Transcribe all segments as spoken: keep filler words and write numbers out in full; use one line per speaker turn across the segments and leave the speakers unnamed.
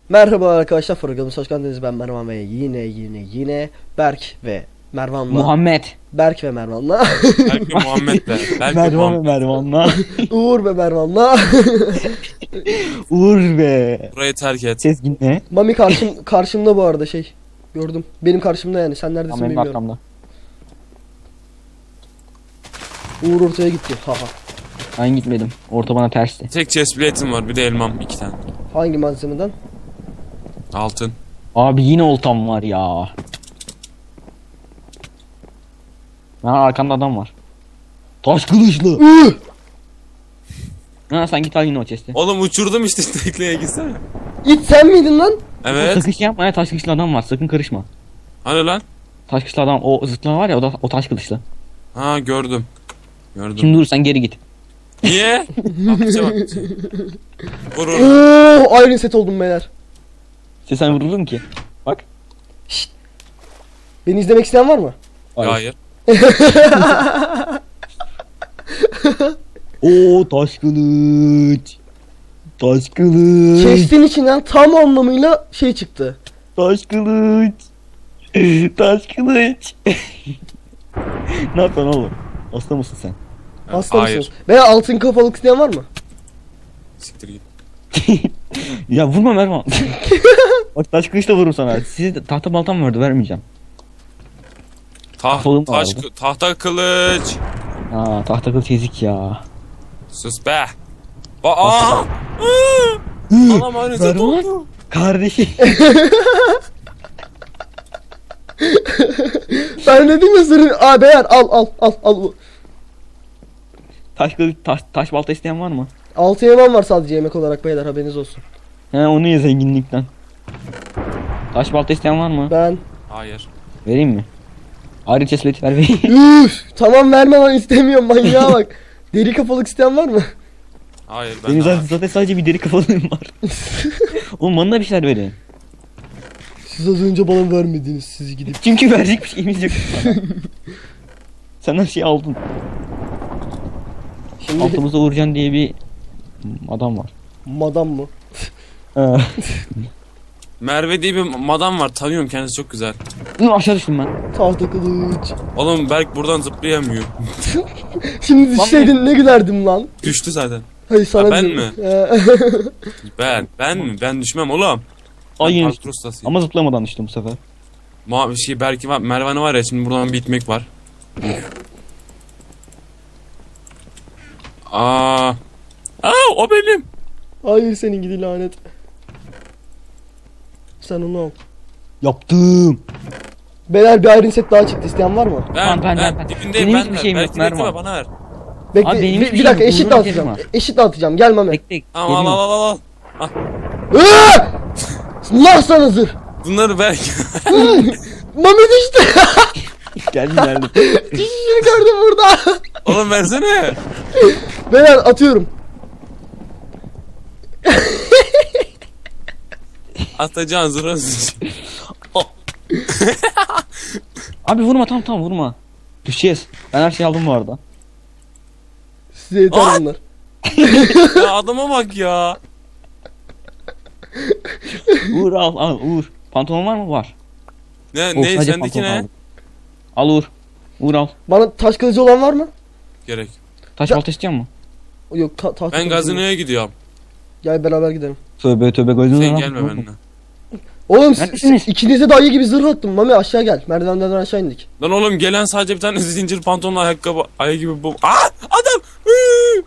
Merhaba arkadaşlar, programımıza hoş geldiniz. Ben Mervan ve yine yine yine Berk ve Mervan'la
Muhammed.
Berk ve Mervan'la
Berk ve Muhammed de. Berk ve
Mervan ve
Muhammed.
Mervan'la.
Uğur ve Mervan'la
Uğur be.
Burayı terk et.
Sezgin ne?
Mami karşım, karşımda bu arada şey gördüm. Benim karşımda yani, sen neredesin
Tamam, benim
bilmiyorum.
arkamda.
Uğur ortaya gitti. Haha.
Ben gitmedim. Orta bana tersti.
Tek chest plate'im var, bir de elmam iki tane.
Hangi malzemeden?
Altın.
Abi yine oltam var ya. Ha, arkamda adam var. Taş kılıçlı.
Üh!
Ha, sen git al yine o chest'i.
Oğlum uçurdum işte, tekneye gitsene.
İt sen miydin lan?
Evet.
Sakın şey yapma ya, taş kılıçlı adam var, sakın karışma.
Hani lan?
Taş kılıçlı adam, o zıtlağı var ya, o da o taş kılıçlı.
Ha, gördüm. Gördüm.
Şimdi dur, sen geri git.
Niye? Hapse bak. Vurur.
Oo, Iron set oldum beyler.
İşte sen vuruldun ki. Bak.
Beni izlemek isteyen var mı?
Hayır.
Oo, taş kılıç. Taş kılıç.
Chest'in içinden tam anlamıyla şey çıktı.
Taş kılıç. Taş kılıç. Ne yapıyorsun oğlum? Hasta mısın sen?
Hasta
Hayır.
mısınız? Veya altın kafalık isteyen var mı?
Siktir git.
Ya vurma Mervan. Bak, taş kılıçla vururum sana. Size tahta baltam vardı, vermeyeceğim.
Taht,
Kolum
taş,
vardı.
tahta kılıç.
Aa, tahta kılıç ezik ya.
Sus be. Aa! Anam aynı set
Mervan.
oldu.
Kardeşim.
Ben dedim ya sırrı. Aa beyler, al al al al.
Taş kılıç, taş, taş balta isteyen var mı?
Altı yemen var sadece yemek olarak beyler, haberiniz olsun.
He, onu ye zenginlikten. Taş balta isteyen var mı?
Ben.
Hayır.
Vereyim mi? Ayrı chestplate ver vereyim.
Üf, tamam verme lan, istemiyorum, manyağa bak. Deri kafalık isteyen var mı?
Hayır, ben
Benim
de
zaten, zaten sadece bir deri kafalığım var. Oğlum bana da bir şeyler verin.
Siz az önce bana vermediniz, siz gidip.
Çünkü verecek bir şeyimiz yok. Sen her şeyi aldın.
Şimdi
Altımıza Uğurcan diye bir adam var.
madam mı?
Ee,
Merve diye bir madam var, tanıyorum, kendisi çok güzel.
Dur, aşağı düştüm ben.
Tahta kılıç.
Oğlum Berk buradan zıplayamıyor.
Şimdi
Lan
düşseydin ne gülerdim lan.
Düştü zaten.
Hayır sana
Ha, ben
diyorum.
mi?
Ee,
Ben, ben mi? Ben düşmem oğlum.
Ay,
Ben
yine
parkur ustasıyım.
ama zıplamadan düştüm bu sefer.
Ma şey Berk'i var, Mervan'ı var ya, şimdi buradan bir itmek var. Aa. Aa, o benim.
Hayır, senin gidi lanet. Sen onu al.
Yaptım.
Beyler, bir iron set daha çıktı, isteyen var mı?
Ben,
Tamam, ben-
ben,
ben-
dibindeyim,
benim
ben
hiçbir
ver.
şeyim yok,
Berk'i bekleme,
Mervan.
bana ver.
Bekle,
Abi benim
bir,
hiçbir
bir dakika,
şeyim yok,
eşit
Uğur'un
dağıtacağım.
yerim var.
Eşit dağıtacağım, gel Mami.
Bekle.
Tamam, al
geliyorum.
al al al.
Iıı! Allah sana zırh.
Bunları Berk.
Mami düştü.
Geldim geldim.
Düşüşünü gördüm burada.
Oğlum versene.
Beyler, atıyorum.
Atacağın zırhı.
Abi vurma, tamam tamam vurma. Düşeceğiz. Ben her şeyi aldım bu arada.
Size yeter
Aa!
bunlar.
Ya adama bak ya.
Uğur al al Uğur. Pantolon var mı? Var.
Ne
Oh,
ne
sadece
sendeki
pantolon
ne?
aldım. Al Uğur. Uğur al.
Bana taş kılıcı olan var mı?
Gerek.
Taş
Ya-
balta istiyor musun?
Yok, ta tahta
Ben
kılıcı yok.
gazinoya gidiyorum.
Gel beraber gidelim.
Tövbe tövbe gözünü
Sen
lan.
gelme benimle.
Oğlum siz,
Neredesiniz?
ikinize de ayı gibi zırh attım. Mami aşağı gel. Merdivenden aşağı indik.
Lan oğlum, gelen sadece bir tane zincir pantolonla ayakkabı, ayı gibi bu. Aa, adam. Hıı!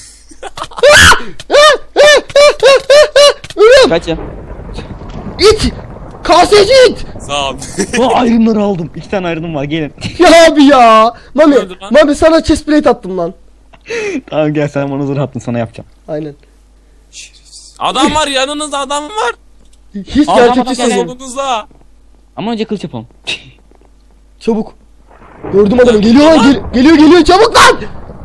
Ölüm!
Kaç ya?
İt! Kaseci it!
Sağ ol.
O ayrımları aldım. İki tane ayrım var, gelin.
Ya abi ya! Mami,
Öldü lan.
Mami sana chestplate attım lan.
Tamam gel, sen bana zırh attın, sana yapacağım.
Aynen.
Adam var, yanınızda adam var.
Hiç
Adam,
gerçekçi
adam, gel,
söylüyorum.
Solunuzda.
Ama önce kılıç yapalım.
Çabuk. Gördüm adamı. Geliyor lan. Gel geliyor geliyor. Çabuk lan!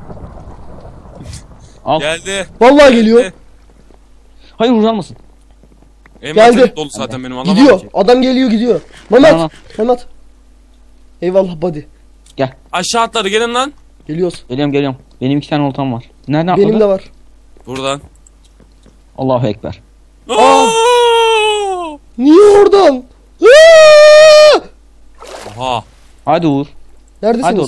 Al.
Geldi.
Vallahi geliyor.
Hayır, Uğur almasın.
Envanterim
Geldi.
dolu zaten benim, alamam
Gidiyor.
ki.
Adam geliyor gidiyor. Mehmet.
Tamam.
Mehmet. Eyvallah buddy.
Aşağı atladı, gelin lan.
Geliyoruz.
Geliyorum geliyorum. Benim iki tane oltam var. Nereden atladı?
Benim de var.
Buradan.
Allahu Ekber.
Aa!
Niye oradan? Aa!
Oha.
Hadi Uğur.
Neredesiniz?
Hadi oğlum.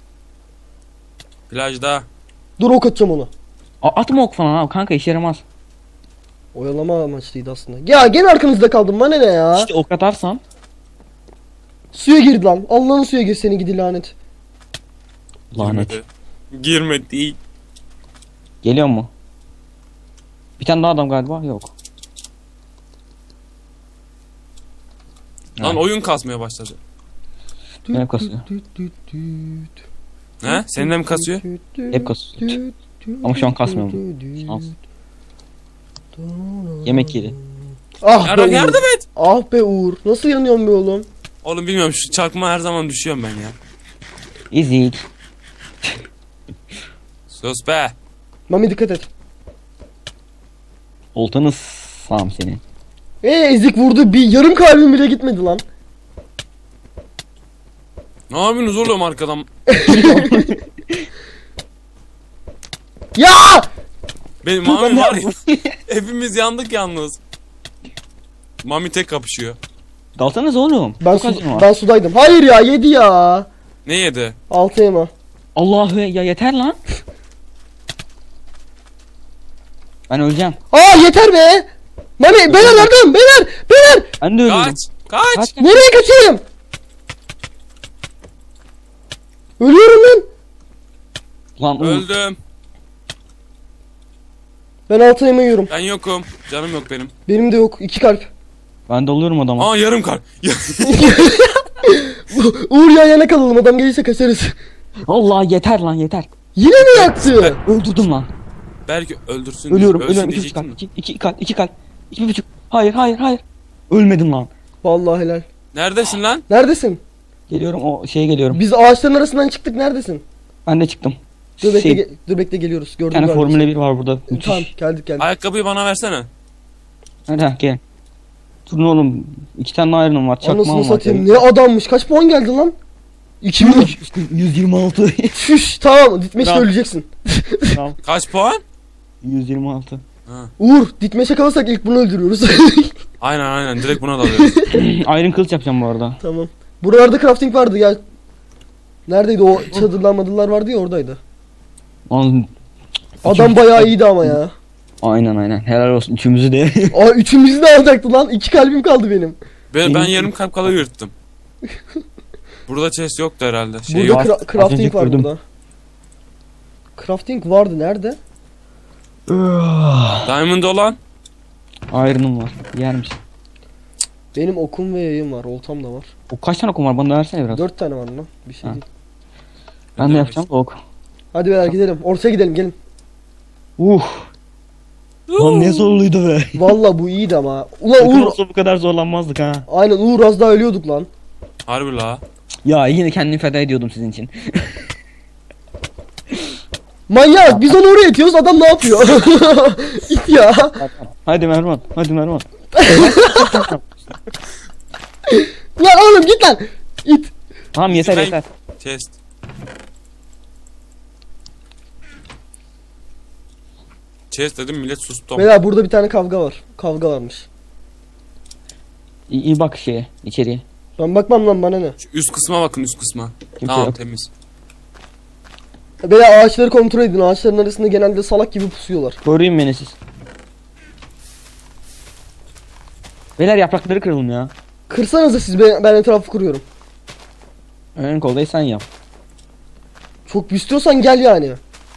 Plajda.
Dur ok atacağım onu.
A- atma ok falan abi kanka, işe yaramaz.
Oyalama amaçlıydı aslında. Ya gene arkanızda kaldım, bana ne ya?
İşte ok atarsan.
Suya girdi lan. Allah'ın suya gir seni gidi lanet.
Lanet.
Girmedi. Girmedi.
Geliyor mu? Bir tane daha adam galiba yok.
Lan
Ha.
oyun kasmaya başladı.
Hep kasıyor.
He? Senin de mi kasıyor?
Hep kasıyor. Ama şu an kasmıyor mu? Şans. Yemek yedi.
Ah
Yardım,
be
yardım
Uğur.
et.
Ah be Uğur. Nasıl yanıyorsun be oğlum?
Oğlum bilmiyorum, şu çakma her zaman düşüyorum ben ya.
İzik.
Sus be.
Mami dikkat et.
Oltanı sağım seni.
Eee ezik vurdu, bir yarım kalbim bile gitmedi lan.
Ne yapıyorsunuz oğlum arkadan?
Ya!
Benim
Dur, ben
Mami
ne
var ya.
yapayım?
Hepimiz yandık yalnız. Mami tek kapışıyor.
Dalsanız oğlum.
Ben,
Çok
su,
acım var.
ben sudaydım. Hayır ya, yedi ya.
Ne yedi?
Altı yema.
Allah'ı ya, yeter lan. Ben öleceğim.
Aa yeter be. Mami beyler yardım, beyler beyler.
Ben de ölüyorum.
Kaç. Kaç.
Kaç.
Nereye kaçayım? Ölüyorum lan.
Lan Uğur.
Öldüm.
Ben altı yema yiyorum.
Ben yokum. Canım yok benim.
Benim de yok. iki kalp.
Ben de oluyorum adama.
Aa yarım kar.
Uğur yan yana kalalım, adam gelirse kaçarız.
Allah yeter lan yeter.
Yine mi yaktı?
Öldürdüm lan.
Belki öldürsün.
Ölüyorum
ölsün
ölüyorum. İki buçuk
diyecektim
kalp.
de.
İki, iki kalp. iki kalp. İki buçuk. Hayır hayır hayır. Ölmedim lan.
Vallahi helal.
Neredesin lan?
Neredesin?
Geliyorum o şeye geliyorum.
Biz ağaçların arasından çıktık, neredesin?
Ben de çıktım.
Dur bekle,
Şey,
ge- dur bekle geliyoruz.
bir
Gördüm
tane
galiba.
Formula bir var burada. Müthiş.
Tamam geldik geldik.
Ayakkabıyı bana versene.
Hadi ha, gel. Durun oğlum. İki tane ayrınım var. Çakmağım
Anasını
var.
satayım. Ne adammış. Kaç puan geldi lan? iki bin üç.
yüz yirmi altı.
Şuş tamam. Ditmeşte
Tamam.
öleceksin.
Tamam.
Kaç puan?
yüz yirmi altı.
Ha.
Uğur ditmeşe kalırsak ilk bunu öldürüyoruz.
Aynen aynen, direkt buna dalıyoruz.
Iron kılıç yapacağım bu arada.
Tamam. Buralarda crafting vardı gel. Neredeydi o çadırlar madırlar vardı ya, oradaydı.
Lan,
Adam bayağı iyiydi ama ya.
aynen aynen. Helal olsun üçümüzü de.
Aa üçümüzü de alacaktı lan. İki kalbim kaldı benim.
Ben, ben
Benim-
yarım kalp kala yırttım. Burada chest yoktu herhalde. Şey
Burada
yok.
var.
cra-
Az önce
crafting var
gördüm.
burada. Crafting vardı nerede?
Diamond olan.
Iron'ım var. Yer misin?
Benim okum ve yayım var. Oltam da var.
O kaç tane okum var? Bana da versene biraz.
Dört tane var lan. Bir şey
Ha.
değil.
Ben de yapacağım da ok.
Hadi beyler gidelim. Ortaya gidelim gelin.
Uh. Lan ne zorluydu be.
Valla bu iyiydi ama. Ulan
Takım
Uğur.
olsa bu kadar zorlanmazdık ha.
Aynen Uğur, az daha ölüyorduk lan.
Harbi la.
Ya yine kendimi feda ediyordum sizin için.
Manyak, biz onu oraya itiyoruz, adam ne yapıyor? İt ya.
Hadi Mervan. Hadi Mervan.
Lan oğlum git lan. İt.
Tamam yeter
Ben-
yeter.
Chest. Chest dedim, millet sustu.
Beyler burada bir tane kavga var. Kavga varmış.
İyi, iyi bak şeye içeriye.
Ben bakmam lan, bana ne.
Şu üst kısma bakın, üst kısma.
Kimse
Tamam
yok.
temiz.
Beyler ağaçları kontrol edin. Ağaçların arasında genelde salak gibi pusuyorlar.
Koruyun beni siz. Beyler yaprakları kıralım ya.
Kırsanıza siz, ben, ben etrafı kuruyorum.
Ön koldayı sen yap.
Çok istiyorsan gel yani.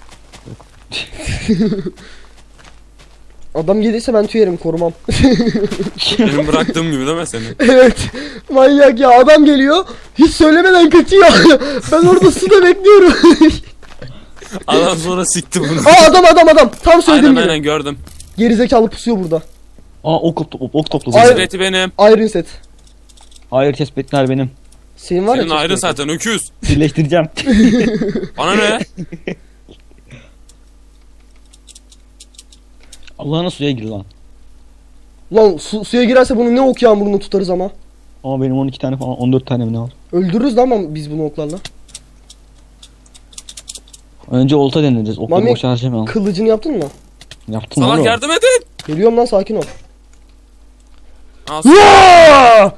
Adam gelirse ben tüyerim, korumam.
Benim bıraktığım gibi değil mi seni?
Evet. Manyak ya, adam geliyor. Hiç söylemeden kaçıyor. Ben orada suda bekliyorum.
Adam sonra sikti bunu.
Aa adam adam adam. Tam söylediğim
Aynen
gibi.
aynen gördüm.
Gerizekalı pusuyor burada.
Aa ok, ok, ok topladım.
Ay-
Zireti benim.
Iron set.
Hayır tespitler benim.
Senin var ya.
Senin ayrı
chest plate.
zaten öküz.
Birleştireceğim.
Bana ne?
Allah'ına suya gir lan.
Lan su, suya girerse bunu ne ok yağmurunu tutarız ama.
Ama benim on iki tane falan on dört tane mi ne var?
Öldürürüz lan ama biz bunu oklarla.
Önce olta deneyeceğiz. Okları
Mami,
boş harcamayalım.
Kılıcını yaptın mı?
Yaptım
Salak
oğlum.
yardım edin.
Geliyorum lan, sakin ol.
Al su.
Ya!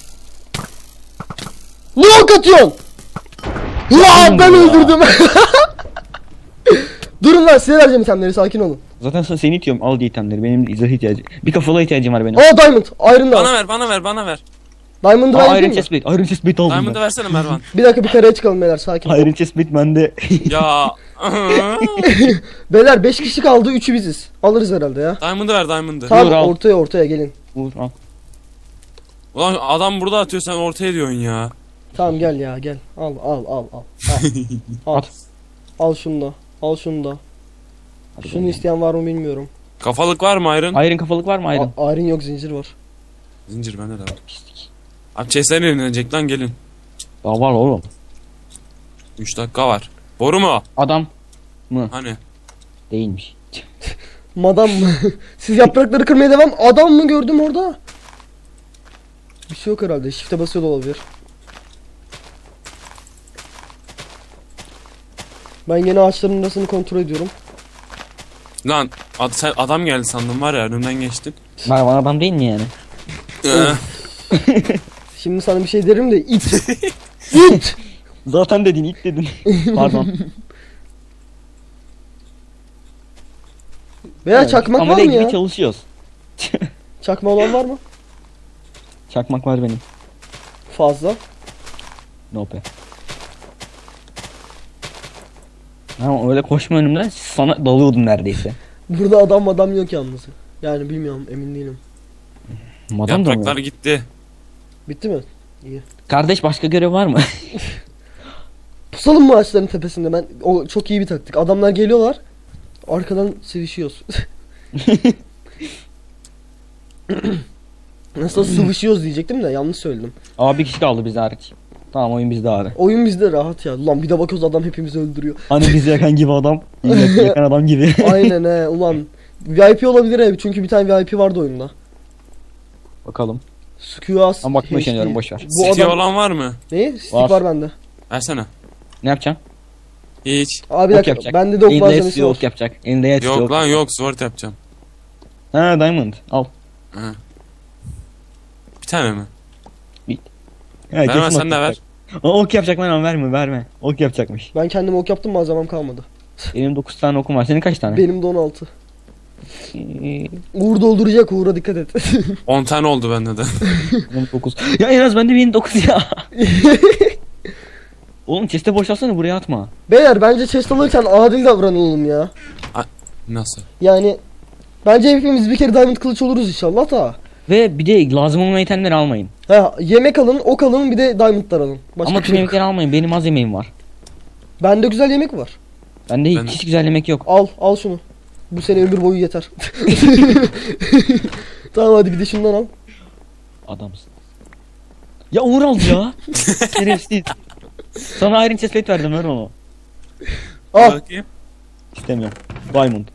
Ne ok atıyorsun? Ya ben öldürdüm. Durun lan, size vereceğim itemleri, sakin olun.
Zaten sana seni itiyorum, al diye itemleri. Benim zırh ihtiyacı. Bir kafalığa ihtiyacım var benim.
Aa diamond, iron da
Bana
var.
ver bana ver bana ver.
Diamond'ı ben
Aa,
yapayım
Iron
mı?
Chestplate. Iron Chestplate aldım
Diamond'ı
ben.
versene Mervan.
Bir dakika, bir kareye çıkalım beyler, sakin olun.
Iron Chestplate bende.
Ya.
Beyler beş kişi kaldı, üçü biziz. Alırız herhalde ya.
Diamond'ı ver Diamond'ı.
Tamam,
al.
ortaya ortaya gelin.
Vur al.
Ulan adam burada atıyor sen ortaya diyorsun ya.
Tamam gel ya, gel. Al al al al. Al. Al.
At.
Al şunu da. Al şunu da.
Hadi
Şunu
bakalım.
isteyen var mı bilmiyorum.
Kafalık var mı Iron?
Iron kafalık var mı Iron?
A- Iron yok, zincir var.
Zincir bende de var. Abi chestler yenilecek lan gelin.
Daha var oğlum.
üç dakika var. Boru mu?
Adam mı?
Hani?
Değilmiş.
Madam mı? Siz yaprakları kırmaya devam. Adam mı gördüm orada? Bir şey yok herhalde. Shift'e basıyor da olabilir. Ben yine ağaçların arasını kontrol ediyorum.
Lan ad, sen adam geldi sandım var ya önümden geçtin.
Mervan adam değil mi yani?
Ee,
Şimdi sana bir şey derim de it. İt.
Zaten dedin, ilk dedin. Pardon.
Veya
Evet,
çakmak
ama
var mı
gibi
ya?
çalışıyoruz.
Çakma olan var mı?
Çakmak var benim.
Fazla.
Nope. Ama öyle koşma önümden, sana dalıyordum neredeyse.
Burada adam adam yok yalnız. Yani bilmiyorum, emin değilim.
Madam da mı?
yapraklar gitti.
Bitti mi? İyi.
Kardeş başka görev var mı?
Pusalım mı ağaçların tepesinde? Ben o çok iyi bir taktik. Adamlar geliyorlar. Arkadan sevişiyoruz. Nasıl sıvışıyoruz diyecektim de yanlış söyledim.
Aa, bir kişi kaldı bize hariç. Tamam, oyun bizde abi.
Oyun bizde rahat ya. Ulan bir de bakıyoruz adam hepimizi öldürüyor.
Hani bizi yakan gibi adam. Yak- yakan adam gibi.
Aynen he ulan. V I P olabilir he, çünkü bir tane V I P vardı oyunda.
Bakalım.
Squas.
Ama bakma işleniyorum, boş ver.
Bu
City
adam...
olan var mı?
Ne? Stick
Var.
var bende.
Versene.
Ne yapacağım?
Hiç.
Abi bir
Ok
dakika,
yapacak.
bende de ok
Elinde
malzemesi
yetsi
var.
ok yapacak. Elinde yetsi
Yok
ok.
lan yok sword yapacağım.
Ha, diamond. Al.
Ha. Bir tane mi?
Ha,
Verme,
kesin
sen
ok
de ver.
yapacak. O ok yapacak lan, ama verme verme. Ok yapacakmış.
Ben kendim ok yaptım, malzemem kalmadı.
Benim dokuz tane okum var. Senin kaç tane?
Benim de on altı.
Ee,
Uğur dolduracak, Uğur'a dikkat et.
on tane oldu bende de.
Benim dokuz. Ya en az bende benim dokuz ya. Oğlum chest'e boşalsana, buraya atma.
Beyler bence chest alırken adil davranalım ya.
Nasıl?
Yani bence hepimiz bir kere diamond kılıç oluruz inşallah da.
Ve bir de lazım olmayan itemleri almayın.
Ha, yemek alın, ok alın, bir de diamondlar alın. Başka
Ama
bir
tüm
şey yok.
yemekleri almayın. Benim az yemeğim var.
Bende güzel yemek var.
Bende
Ben-
hiç güzel yemek yok.
Al, al şunu. Bu sene ömür boyu yeter. Tamam hadi bir de şundan al.
Adamsın. Ya Uğur aldı ya. Şerefsiz. Sana Iron Chestplate verdim, ver onu.
Al.
Bakayım.
İstemiyorum. Diamond.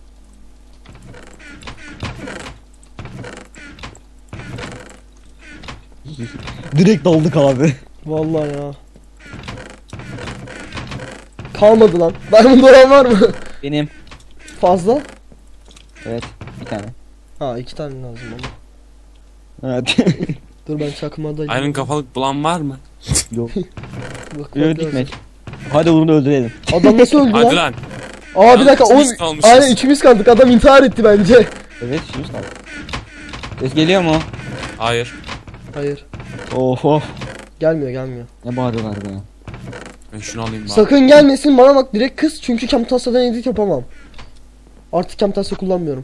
Direkt daldık abi.
Vallahi ya. Kalmadı lan. Diamond olan var mı?
Benim.
Fazla?
Evet, bir tane.
Ha, iki tane lazım ama.
Evet.
Dur ben çakmadayım.
Iron kafalık bulan var mı?
Yok.
Bak, bak
Öldük
lazım.
Met. Hadi Uğur'u da öldürelim.
Adam nasıl öldü
Hadi
lan?
lan.
Aa bir dakika.
Yalnız
Oğlum,
biz kalmışız.
aynen üçümüz kaldık. Adam intihar etti bence.
Evet, şimdi kaldı. Ses geliyor mu?
Hayır.
Hayır.
Of of.
Gelmiyor gelmiyor.
Ne bağırıyorlar be.
Ben şunu alayım bari.
Sakın gelmesin bana bak, direkt kız, çünkü Camtasia'dan edit yapamam. Artık Camtasia kullanmıyorum.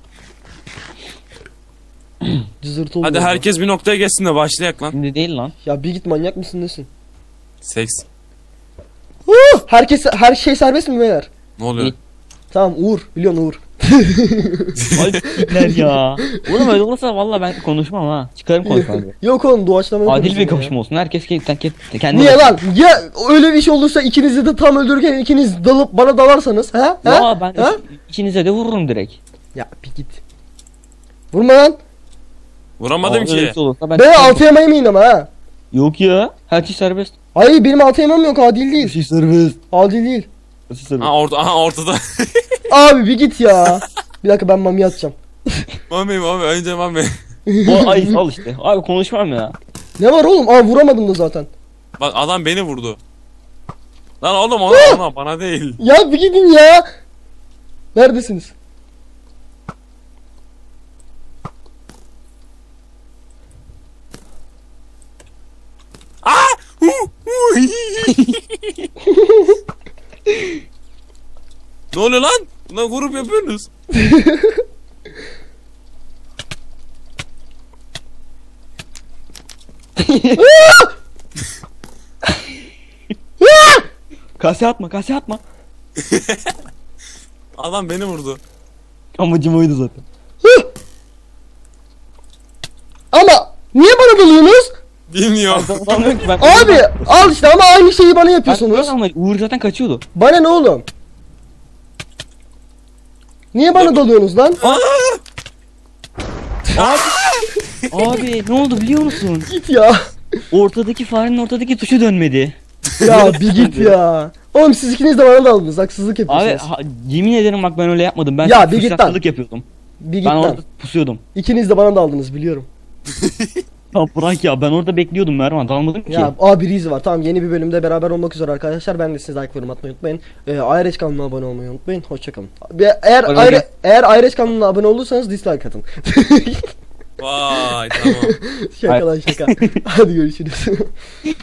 Cızırtı oluyor.
Hadi herkes bir noktaya geçsin de başlayak lan.
Şimdi değil lan.
Ya bir git, manyak mısın nesin?
Seks.
Huh! Herkes, her şey serbest mi beyler?
Ne oluyor?
İyi.
Tamam Uğur, biliyorsun Uğur.
Ay sikler ya. Oğlum öyle olursa valla ben konuşmam ha. Çıkarım konuşmam.
Yok oğlum, doğaçlama
Adil
yapıyorsun
bir
ya.
kapışma olsun. Herkes kendi kendi.
Niye lan? Ya öyle bir şey olursa ikinizi de tam öldürürken ikiniz dalıp bana dalarsanız, ha?
Ya
ha?
ben
ha?
ikinize de vururum direkt.
Ya bir git. Vurma lan.
Vuramadım
Aa, öyle bir
ki.
şey olursa ben
Ben
çıkarım.
altı yemeğim ama ha.
Yok ya. Her şey serbest.
Hayır benim altı yemem yok, adil
Her
değil.
şey serbest.
Adil değil.
Her şey serbest.
Ha orta aha ortada.
Abi bir git ya. Bir dakika, ben mami atacağım.
Mami mami önce mami.
O ay al işte. Abi konuşmam ya.
Ne var oğlum? Aa vuramadım da zaten.
Bak adam beni vurdu. Lan oğlum ona, ona bana değil.
Ya bir gidin ya. Neredesiniz?
Aa! Hu, hu. Ne oluyor lan? Lan grup yapıyorsunuz.
Kase atma kase atma.
Adam beni vurdu.
Amacım oydu zaten.
Ama niye bana dalıyorsunuz?
Bilmiyorum.
Ben anlamıyorum ki ben.
Abi al işte ama aynı şeyi bana
Ben
yapıyorsunuz.
ama Uğur zaten kaçıyordu.
Bana ne oğlum? Niye bana dalıyorsunuz lan?
Abi ne oldu biliyor musun?
Git ya.
Ortadaki farenin ortadaki tuşu dönmedi.
Ya bir git ya. Oğlum siz ikiniz de bana daldınız. Haksızlık
Abi
yapıyorsunuz.
ha, yemin ederim bak ben öyle yapmadım. Ben
Ya,
ya,
bir git lan.
fırsatçılık yapıyordum.
Bir git
Ben
lan.
orada pusuyordum.
İkiniz de bana daldınız biliyorum.
Ya bırak ya ben orada bekliyordum Mervan dalmadım ki.
Ya A bir iz var. Tamam yeni bir bölümde beraber olmak üzere arkadaşlar. Ben de size like yorum atmayı unutmayın. Ee, Ayreç kanalına abone olmayı unutmayın. Hoşçakalın. Eğer
Öyle
Ayre,
gel.
eğer Ayreç kanalına abone olursanız dislike atın.
Vay tamam.
Şaka lan şaka. Hadi görüşürüz.